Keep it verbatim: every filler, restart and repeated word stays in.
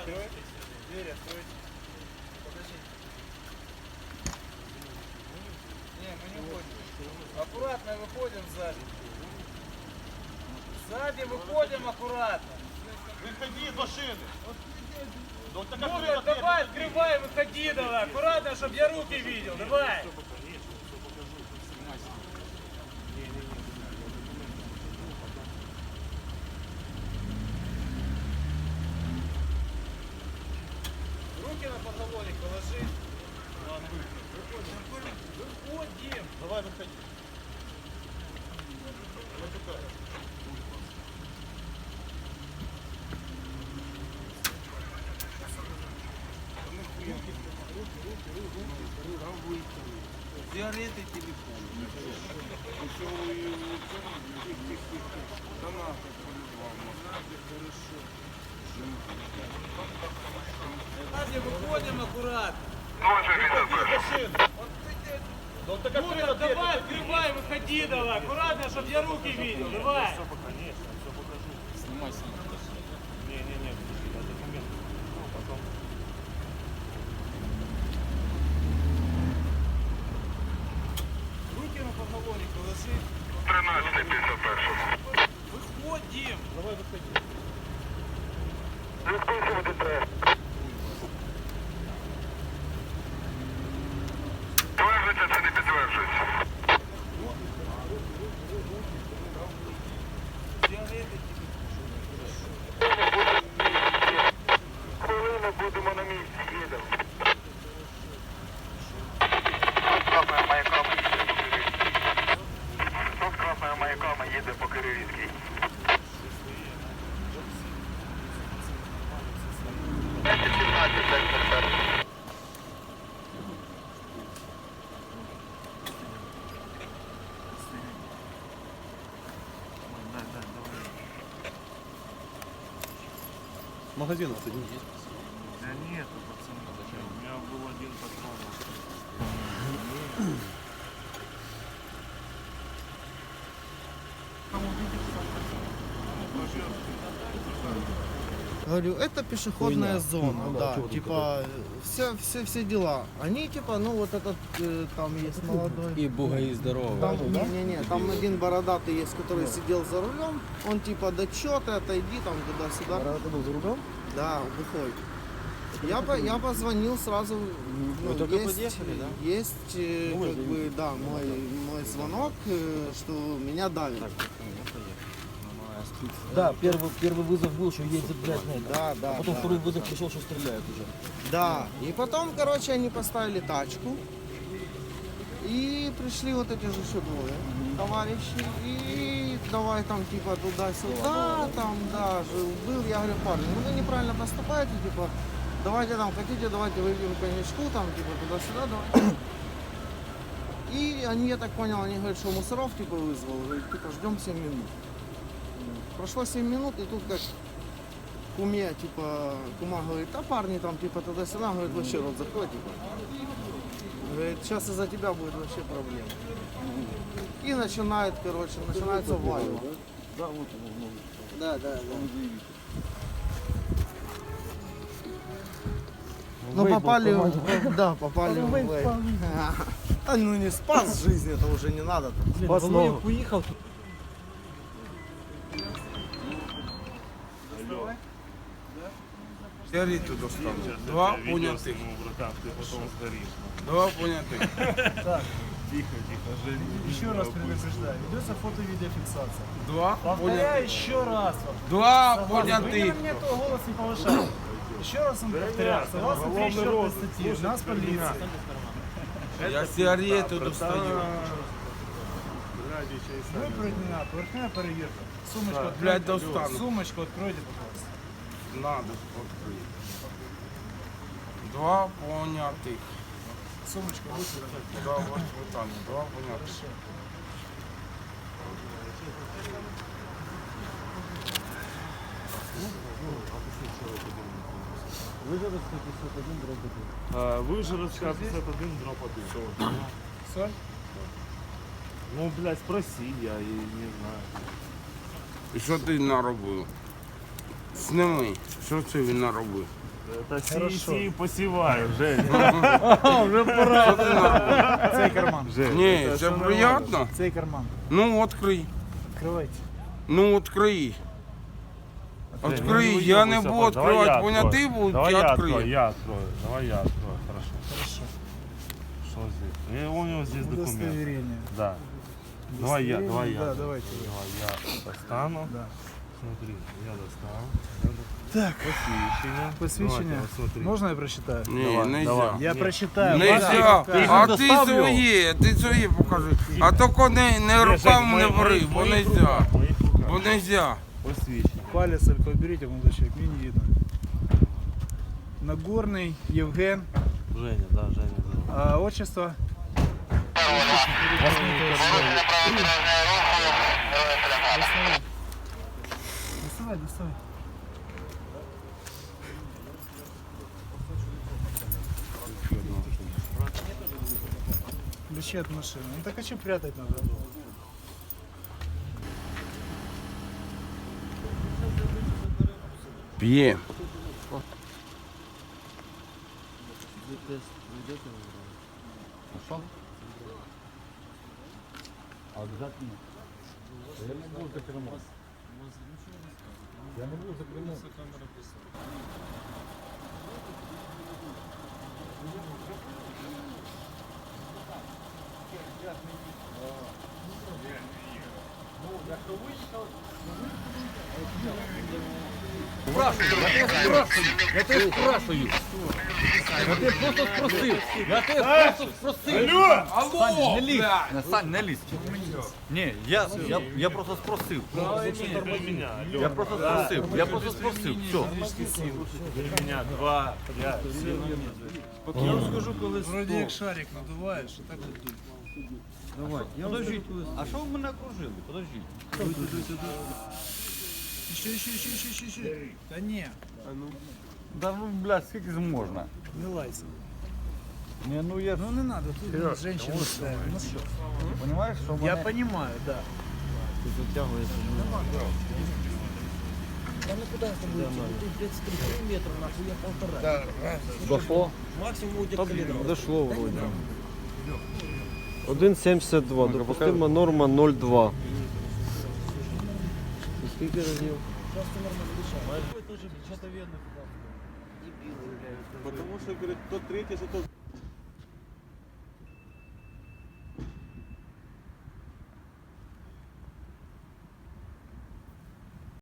открой. Дверь открой. Подожди. Не, мы не уходим. Аккуратно выходим сзади. Сзади выходим аккуратно. Выходи из машины. Ну, давай, открывай, выходи давай. Аккуратно, чтобы я руки видел. Давай. Руки на поголовник положи. Выходим. Давай, выходи. Сигареты, телефон. Сзади выходим аккуратно. Ну, так Ну, давай, открывай, выходи давай. Аккуратно, чтобы я руки видел. Давай. Все, конечно, все покажу. Снимай, снимай. Не-не-не, подожди, я документ. Ну, потом. Руки на поголовник положи. тринадцятий пятьдесят один. Выходим. Давай, выходи. Відписувати треба. Підтверджується чи не підтверджується? Сигареты, Хвилину будемо на місці, їдемо. Тут красною маяками їде по Київській. Тут красною маяками їде по Київській. Магазин у вас один есть? Да нет, пацаны, у меня был один патрон. Говорю, это пешеходная Хуйня. зона, Ну да, да, чего ты типа все, все, все дела. Они типа, ну вот этот э, там есть молодой. И бугаи здоровые. Там, не-не-не, там один бородатый есть, который сидел за рулем. Он типа, да чё ты, отойди там туда-сюда. Бородатый был за рулем? Да, выходит. Я, по, я позвонил сразу. Ну, Вы только есть, подъехали, да? Есть, э, Ну, вы как же- бы, да, мой, мой звонок, э, что меня давит. Да, первый, первый вызов был, что едет, блядь, на это. Да, да. А потом да. второй вызов пришел, что стреляют уже. Да, и потом, короче, они поставили тачку. И пришли вот эти же еще двое товарищи. И давай там типа туда-сюда, там, да, жил, был. Я говорю, парни, ну вы неправильно поступаете, типа, давайте там, хотите, давайте выпьем коньячку, там, типа, туда-сюда, давай. И они, я так понял, они говорят, что мусоров, типа, вызвал, говорит, типа, ждем семь минут. Прошло семь минут, и тут как куме, типа, кума говорит, а парни там, типа, туда-сюда, говорит, вообще рот закрой, типа. Говорит, сейчас из-за тебя будет вообще проблема. И начинает, короче, начинается вайва. Да, вот он, Да, да, да. Ну попали, в- да, попали в вейп. А, ну не спас жизнь, это уже не надо. Спас ногу. Уехал. Сигарету достану. Два понятых. Братан, ты потом сгоришь. Два понятых. Тихо, тихо, жри. Еще раз предупреждаю, ведется фото-видеофиксация. Два Повторяю понятых. еще раз. Два Вы на понятых. мне то голос не повышал. Еще раз вам повторяю, согласно тридцать четвёртой статьи, у нас полиция. Я сигарету достаю. Вы проведена поверхная проверка. Сумочку Да, откройте. блядь, достану. Сумочку откройте, пожалуйста. Надо открыть. Два понятых. Сумочку лучше откройте. Да, вот, вот там. Два понятых. Выживет пятьдесят один дробь один. А, Выжиротская пятьдесят один дроп один. Соль? Ну, блядь, спроси, я и не знаю. І що ти наробив? Сними, що це він наробив? Та сій, сій, посіваю, Женя. Цей карман. Ні, це приємно. Цей карман. Ну, відкрий. Відкривайте. Ну, відкрий. Жень, Відкрий, ну, я не уебуйся, буду давай я відкривати, поняти открою. буду, Давай я я открою, відкрию. я открою. Давай я открою, хорошо. Хорошо. Что здесь? И у него здесь документ. Удостоверение. Да. Давай я, давай я. Да, давайте. Давай я достану. Да. Смотри, я достану. Так. Посвящение. Посвящение. Давайте, вот смотри. Можно я прочитаю? Ні, Давай, нельзя. давай. Я Ні. прочитаю. Нельзя. Ти їх А не ти достав його? своє, ти своє покажи. А тільки не, не Ні, руками не Жень, бери, в бо моїх нельзя. руках, в моїх руках. Бо нельзя. Посвящение. Палец только уберите, молодой человек, мне не видно. Нагорный Евген, Женя, да, Женя. Да. а отчество? Доставай, доставай. Ключи от машины. Ну так а что прятать надо? П'є. Сань, не лізь! Сань, не лізь! Ні, я, я, я просто спросив. Для меня. Я просто спросив. Я просто спросив. Все. Для меня два, пять, семь. Я вам скажу, коли вроді як шарик надуваєш, а так от дуй. Давай. Подождіть. А що ви мене окружили? Подождіть. Ще, ще, ще, ще, ще, ще. Та ні, Да ну, блядь, скільки можна? не лайся. Ні, ну я, Ну не надо, тут женщина ставить. Ну що? понимаєш, що Я мене... понимаю, да. Дошло? Дошло вроді. один сімдесят два, допустима норма нуль два. Скільки разів? Потому що, говорит, то третє, що то